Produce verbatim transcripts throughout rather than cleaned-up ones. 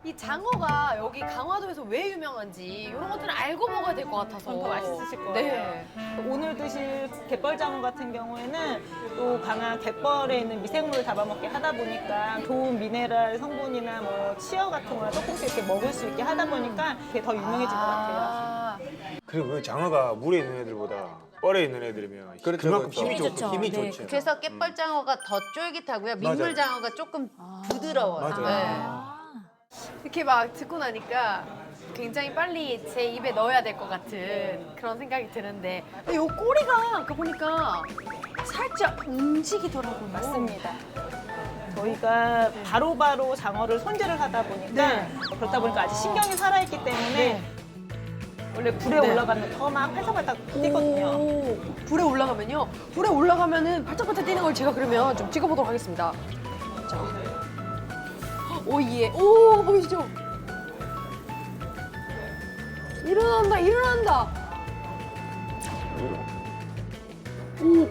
이 장어가 여기 강화도에서 왜 유명한지 이런 것들은 알고 먹어야 될 것 같아서 더 맛있으실 거예요. 네. 오늘 드실 갯벌장어 같은 경우에는 또 강한 갯벌에 있는 미생물을 잡아먹게 하다 보니까 좋은 미네랄 성분이나 뭐 치어 같은 거 조금씩 이렇게 먹을 수 있게 하다 보니까 그게 더 유명해진 것 같아요. 아, 그리고 그 장어가 물에 있는 애들보다 뻘에 있는 애들이면 그렇죠, 그만큼 그렇죠. 힘이 힘이 좋고 좋죠. 힘이 네, 좋죠. 그래서 깻벌장어가 더 쫄깃하고요. 민물장어가 조금 부드러워요. 맞아요. 네. 이렇게 막 듣고 나니까 굉장히 빨리 제 입에 넣어야 될 것 같은 그런 생각이 드는데 이 꼬리가 아까 보니까 살짝 움직이더라고요. 맞습니다. 저희가 바로바로 장어를 손질을 하다 보니까 네. 그렇다 보니까 아직 신경이 살아있기 때문에 원래 불에 네. 올라가면 더 막 팔짝팔짝 뛰거든요. 오, 불에 올라가면요. 불에 올라가면은 발짝발짝 뛰는 걸 제가 그러면 좀 찍어보도록 하겠습니다. 자. 오, 예. 오, 보이시죠? 일어난다, 일어난다. 오.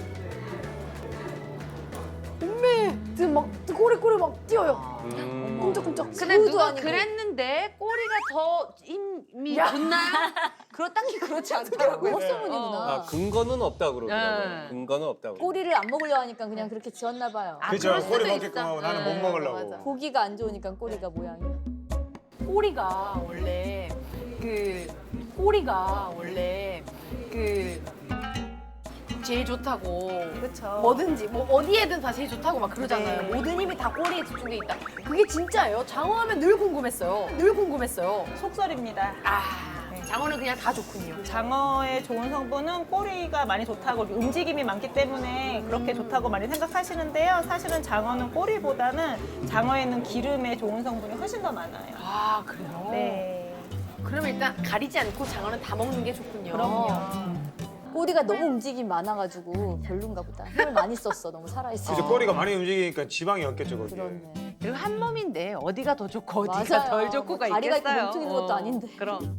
엄매. 지금 막 꼬리꼬리 막 뛰어요. 음. 끔적끔적. 근데 새우도 누가 아니고. 그랬는데 꼬리가 더 힘이 야. 좋나요? 그렇 딱히 그렇지 않더라고요. 헛소문이구나. 아, 근거는 없다 그러더라고요. 네. 근거는 없다고. 꼬리를 안 먹으려 하니까 그냥 그렇게 지었나 봐요. 아, 그렇죠. 그럴 꼬리 수도 먹게끔 있어. 하고 나는 네, 못 먹으려고. 맞아. 고기가 안 좋으니까 꼬리가 모양이. 꼬리가 원래 그 꼬리가 원래 그 제일 좋다고 그렇죠. 뭐든지 뭐 어디에든 다 제일 좋다고 막 그러잖아요. 네. 모든 힘이 다 꼬리에 집중돼 있다. 그게 진짜예요. 장어하면 늘 궁금했어요. 늘 궁금했어요. 속설입니다. 아 장어는 그냥 다 좋군요. 장어의 좋은 성분은 꼬리가 많이 좋다고 움직임이 많기 때문에 그렇게 좋다고 많이 생각하시는데요. 사실은 장어는 꼬리보다는 장어에 있는 기름의 좋은 성분이 훨씬 더 많아요. 아 그래요? 네. 그럼 일단 가리지 않고 장어는 다 먹는 게 좋군요. 그럼요. 꼬리가 너무 움직임이 많아가지고 별론가 보다. 힘을 많이 썼어. 너무 살아있어. 이제 꼬리가 많이 움직이니까 지방이 없겠죠, 거기에. 그렇네. 그리고 한 몸인데 어디가 더 좋고 어디가 맞아요. 덜 좋고가 뭐 다리가 있겠어요. 있고 몸통 있는 것도 아닌데. 그럼.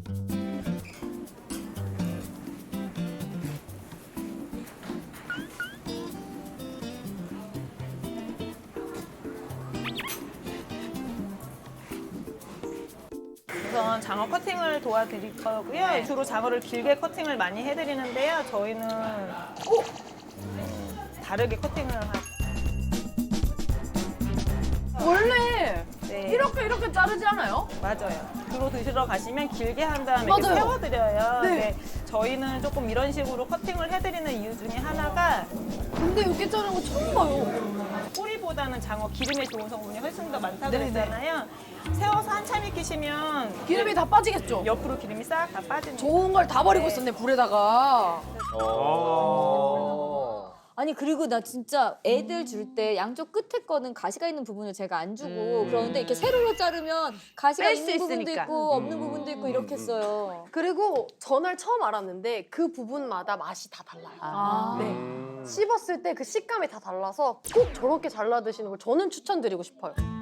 우선 장어 커팅을 도와드릴 거고요. 네. 주로 장어를 길게 커팅을 많이 해드리는데요. 저희는 오! 다르게 커팅을 하... 원래 네. 이렇게 이렇게 자르지 않아요? 맞아요. 주로 드시러 가시면 길게 한 다음에 맞아요. 이렇게 세워드려요. 네. 네. 저희는 조금 이런 식으로 커팅을 해드리는 이유 중에 하나가 근데 이렇게 자르는 거 처음 봐요. 꼬리보다는 장어 기름에 좋은 성분이 훨씬 더 많다고 네네. 그랬잖아요. 세워서 한참 익히시면 기름이 다 빠지겠죠? 옆으로 기름이 싹 다 빠지는 좋은 걸 다 버리고 있었네, 불에다가. 어. 아니 그리고 나 진짜 애들 줄 때 양쪽 끝에 거는 가시가 있는 부분을 제가 안 주고 음. 그러는데 이렇게 세로로 자르면 가시가 뺄수 있는 부분도 있으니까. 있고 없는 부분도 있고 이렇게 써요. 그리고 전날 처음 알았는데 그 부분마다 맛이 다 달라요. 아. 네. 음. 씹었을 때 그 식감이 다 달라서 꼭 저렇게 잘라 드시는 걸 저는 추천드리고 싶어요.